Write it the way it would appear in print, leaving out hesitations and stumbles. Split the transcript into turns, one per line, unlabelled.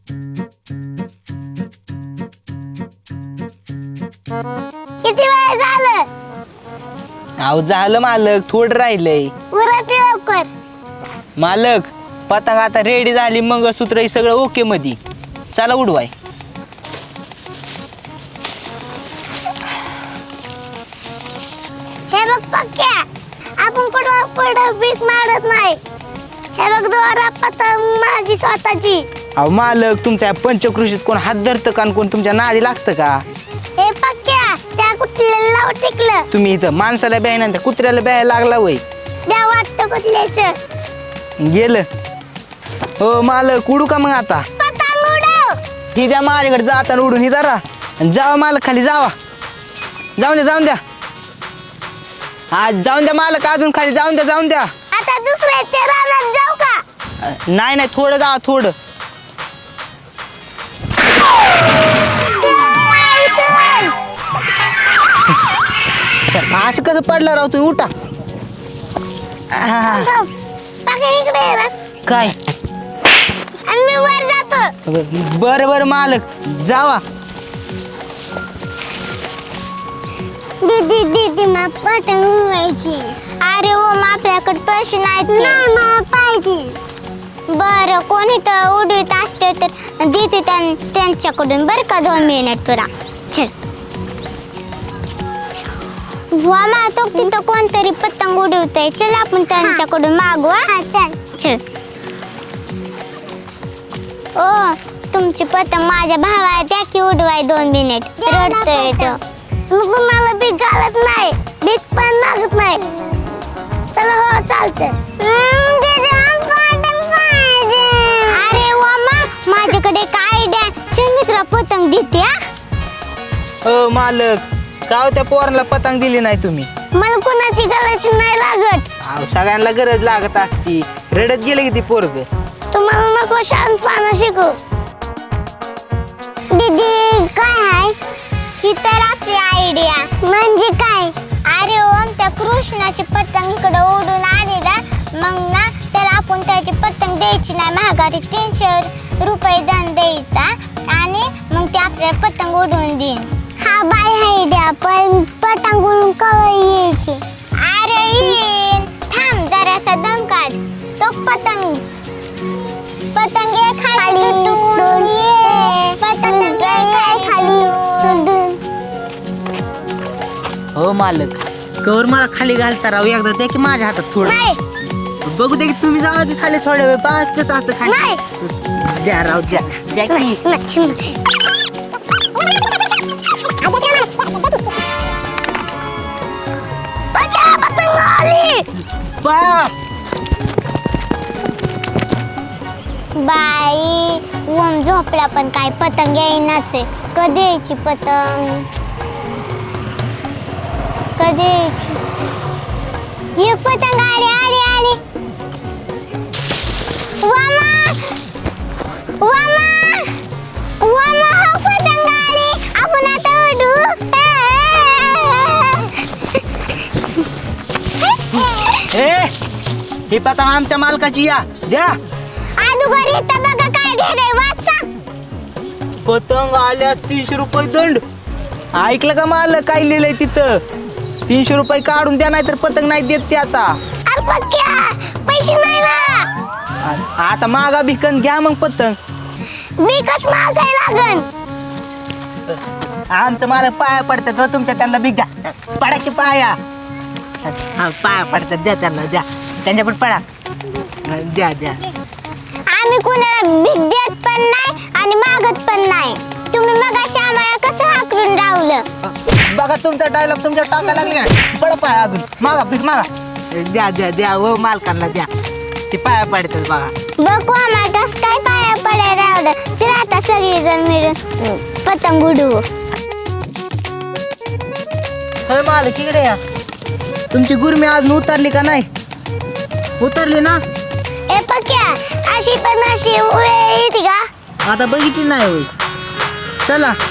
किती वेळ झालं?
अहो झालं मालक, थोडं राहिलंय.
उरट लवकर.
मालक पतंग आता रेडी झाली, मंगळसूत्र हे सगळं ओके मध्ये. चला उडवाय.
हे बघ पक्क्या, आपण कुठं भीक मारत नाही. हे बघ दोरा पतंग माझी स्वतःची.
अहो मालक, तुमच्या पंचकृषीत कोण हात धरतं का आणि कोण तुमच्या नादी लागतं का?
हे पक्क्या, त्या कुठल्याला लाव टिकलं.
तुम्ही इथं माणसाला ब्याय त्या कुत्र्याला ब्याय लागला वय.
द्या वाटतं कुठल्याच.
गेलं. हो मालक, उडू का मग आता?
पतंग उडव.
ही द्या माझ्याकडे, जाताना उडून ही धरा. जावा मालक, खाली जावा. जाऊन द्या जाऊन द्या. हा जाऊन द्या मालक, अजून खाली जाऊन द्या जाऊन द्या.
आता दुसऱ्याच्या रानात जाऊ का?
नाही नाही, थोडं जावा थोडं. असं कसं पडलं राव तुम्ही, उठा.
पक्क्या इकडे ये ना.
काय?
आणि मी वर जातो.
बरं बरं मालक, जावा.
दीदी दीदी मला पतंग उडवायची. अरे हो, मग आपल्याकडे पैसे नाहीत. मला पाहिजे. बरं, कोणी तर उडवीत असते तर देते त्यांच्याकडून. बरं का, 2 मिनिट तुला. चल. वा तो तिथं कोणतरी पतंग उडवतंय. चल आपण त्यांच्याकडून मागू. चल. ओ, तुमची पतंग माझ्या भावाला द्या की उडवाय 2 मिनिट. रडतोय तो. मग मला भीक घालत नाही, भीक पण लागत नाही. चला हो, चालतंय. अरे वामा, माझ्याकडे काय आयडिया. चल मी तुला पतंग देते.
हो मालक, का त्या पोराला पतंग दिली नाही तुम्ही?
मला कोणाची गरज नाही लागत.
अहो सगळ्यांना गरज लागत असती. रडत गेले की ती पोरग.
तुम्हाला नको शांतपणा शिकू. दीदी काय आहे? ही तर आपली आयडिया. म्हणजे काय? अरे ओम, त्या कृष्णाची पतंग इकडे उडून आली ना, मग ना त्याला आपण त्याची पतंग द्यायची नाही, महागारी 300 रुपये दंड द्यायचा आणि मग ते आपल्याला पतंग उडवून देईन. हा बाय आयडिया, पण पतंग उडून कवा यायची? अरे येईन, थांब जरासा दम काढ. तो पतंग खाली तुटून ये. पतंग खाली तुटून.
हो मालक, कवर मला खाली घालता राव. एकदा द्या की माझ्या हातात थोडं.
नाही.
बघू दे की तुम्ही जावा की खाली थोड्या वेळ. पाच कसं असतं खाली.
नाही.
द्या राव, द्या द्या की.
पतंग आली. बाई, ओम झोपला पण काय पतंग येईनाच आहे. कधी यायची पतंग? कधी यायची? एक पतंग आली आली आली. वामा वामा वामा, हो पतंग आली. आपण आता उडू.
ही पतंग आमच्या मालकाची. या द्या.
अगोदर इथं बघा काय लिहिलंय, वाचा.
पतंग आल्या 300 रुपये दंड. ऐकलं का मालक काय लिहिलंय तिथं? 300 रुपये काढून द्या, नाही तर पतंग नाही देत ते आता.
अरे पक्क्या, पैसे नाही ना.
आता मागा भिकन घ्या मग पतंग.
बिकच मागाय लागन.
आमचं मालक पाया पडतात, तुमच्या त्यांना भीक द्या. पडा की पाया. हा पाया पडतात, द्या त्यांना, द्या त्यांच्या पण पडा. द्या द्या.
आम्ही कुणाला भीक देत पण नाही आणि मागत पण नाही. तुम्ही मगाशी आम्हाला कसं हाकलून रावलं.
बघा तुमचा डायलॉग तुमच्या टाका लागला. पड पाया अजून. मागा भीक मागा. द्या द्या द्या. व मालकांना द्या. ते पाया पडतात बघा.
बघू आम्हाला कसं काय पाया पडायला रावलं. चला आता सगळेजण मिळून पतंग उडवू.
होय मालक, इकडे या. तुमची गुरमी अजून उतरली का नाही? उतरली ना?
ए पक्क्या, अशी पण अशी उडे येते का?
आता बघितली नाही होय. चला